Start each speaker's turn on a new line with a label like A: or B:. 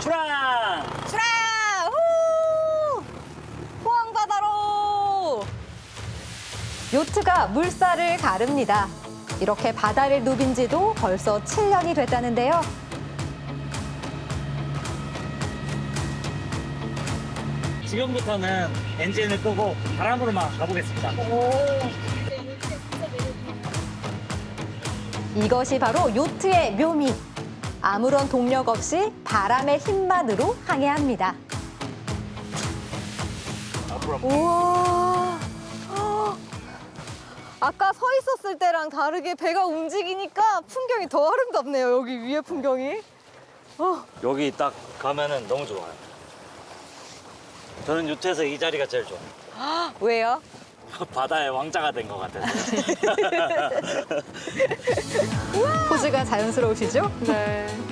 A: 출항!
B: 출항! 후! 포항바다로! 요트가 물살을 가릅니다. 이렇게 바다를 누빈 지도 벌써 7년이 됐다는데요.
A: 지금부터는 엔진을 끄고 바람으로만 가보겠습니다.
B: 이것이 바로 요트의 묘미. 아무런 동력 없이 바람의 힘만으로 항해합니다. 우와. 아까 서 있었을 때랑 다르게 배가 움직이니까 풍경이 더 아름답네요. 여기 위에 풍경이.
A: 여기 딱 가면은 너무 좋아요. 저는 요트에서 이 자리가 제일 좋아요.
B: 왜요?
A: 바다의 왕자가 된 것 같아서.
B: 포즈가 자연스러우시죠?
C: 네.